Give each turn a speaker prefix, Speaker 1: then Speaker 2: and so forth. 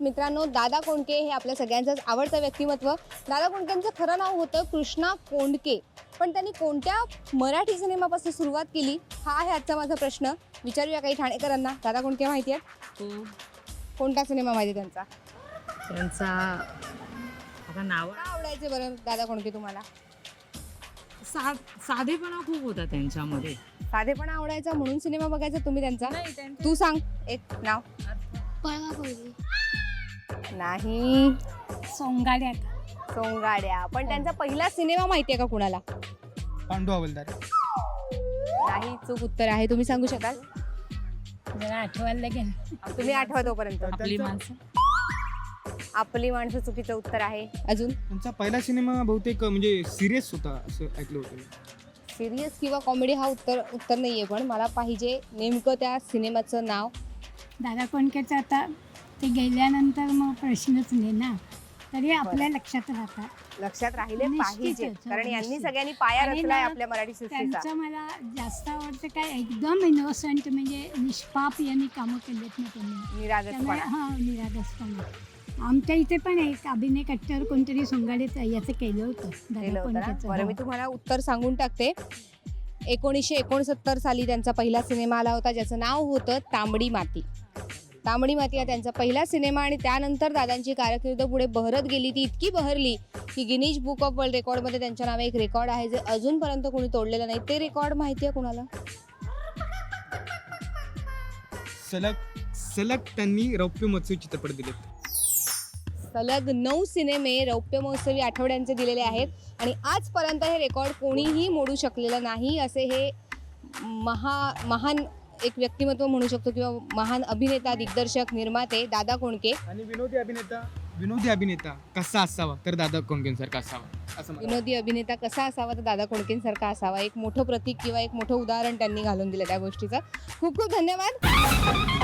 Speaker 1: मित्रांनो, दादा कोंडके हे आपल्या सगळ्यांचंच आवडतं व्यक्तिमत्व. दादा कोंडकेंचं खरं नाव होतं कृष्णा कोंडके, पण त्यांनी कोणत्या मराठी सिनेमापासून सुरुवात केली हा आहे आजचा माझा प्रश्न. विचारूया काही ठाणेकरांना. दादा कोंडके माहिती आहेत? कोणता सिनेमा माहिती त्यांचा?
Speaker 2: त्यांचा आता नाव
Speaker 1: का आवडायचे बरं दादा कोंडके तुम्हाला?
Speaker 2: साधेपणा खूप होता त्यांच्यामध्ये.
Speaker 1: साधेपणा आवडायचा म्हणून सिनेमा बघायचा तुम्ही त्यांचा?
Speaker 2: नाही, त्यांचं-
Speaker 1: तू सांग एक नाव.
Speaker 3: पळवा पळवी,
Speaker 1: नाही,
Speaker 3: सोंगाड्या,
Speaker 1: सोंगाड्या. पण त्यांचा पहिला सिनेमा माहितीये का कुणाला?
Speaker 4: पांडू हवालदार.
Speaker 1: नाही, चूक उत्तर आहे. तुम्ही सांगू शकाल?
Speaker 3: जरा आठवायला लागेल.
Speaker 1: तुम्ही आठवा तोपर्यंत.
Speaker 2: आपली माणसं.
Speaker 1: आपली माणसं चुकीचं उत्तर आहे. अजून
Speaker 4: त्यांचा पहिला सिनेमा बहुतेक म्हणजे सिरियस होता असं ऐकलं होतं मी.
Speaker 1: सिरियस किंवा कॉमेडी हा उत्तर नाहीये, पण मला पाहिजे नेमकं त्या सिनेमाचं नाव.
Speaker 3: दादा कोंडकेचं आता ते गेल्यानंतर मग प्रश्नच नाही ना, तरी आपल्या लक्षात राहतात.
Speaker 1: लक्षात राहिले
Speaker 3: निश्चितच,
Speaker 1: पाहिजे,
Speaker 3: हो,
Speaker 1: कारण यांनी
Speaker 3: निश्चित.
Speaker 1: सगळ्यांनी पाया
Speaker 3: आणि
Speaker 1: रचलाय
Speaker 3: ना,
Speaker 1: आपल्या मराठी सृष्टीचा.
Speaker 3: त्यांचं मला जास्त आवडतं काय, एकदम इनोसंट म्हणजे निष्पाप यांनी कामं केलेत ना त्यांनी. त्यामुळे
Speaker 1: निरागसपणा.
Speaker 3: हा, निरागसपणा. आमच्या इथे पण एक अभिनय कट्टर कोणतरी सोंगाडेच याचं केलं होतं
Speaker 1: केलं
Speaker 3: दादा
Speaker 1: होतं ना?
Speaker 3: कोंडकेचं.
Speaker 1: बरं, मी
Speaker 3: हो.
Speaker 1: तुम्हाला उत्तर सांगून टाकते. 1969 साली त्यांचा पहिला सिनेमा आला होता, ज्याचं नाव होतं तांबडी माती. तांबडी माती हा त्यांचा पहिला सिनेमा, आणि त्यानंतर दादांची कारकीर्द पुढे बहरत गेली. ती इतकी बहरली की गिनीज बुक ऑफ वर्ल्ड रेकॉर्डमध्ये त्यांच्या नावे एक रेकॉर्ड आहे, जे अजूनपर्यंत कोणी तोडलेलं नाही. ते रेकॉर्ड माहिती आहे कुणाला?
Speaker 4: सलग त्यांनी रौप्य महोत्सवी चित्रपट दिलेत.
Speaker 1: सलग 9 सिनेमे रौप्य महोत्सवी आठवड्यांचे दिलेले आहेत, आणि आजपर्यंत हे रेकॉर्ड कोणीही मोडू शकलेलं नाही. असे हे महान एक व्यक्तिमत्व म्हणू शकतो, किंवा महान अभिनेता, दिग्दर्शक, निर्माते दादा कोंडके.
Speaker 4: आणि विनोदी अभिनेता कसा असावा तर दादा कोंडकेंसारखा असावा असं मला
Speaker 1: विनोदी अभिनेता कसा असावा तर दादा कोंडकेंसारखा असावा. एक मोठं प्रतीक किंवा एक मोठं उदाहरण त्यांनी घालून दिलं त्या गोष्टीचं. खूप खूप धन्यवाद.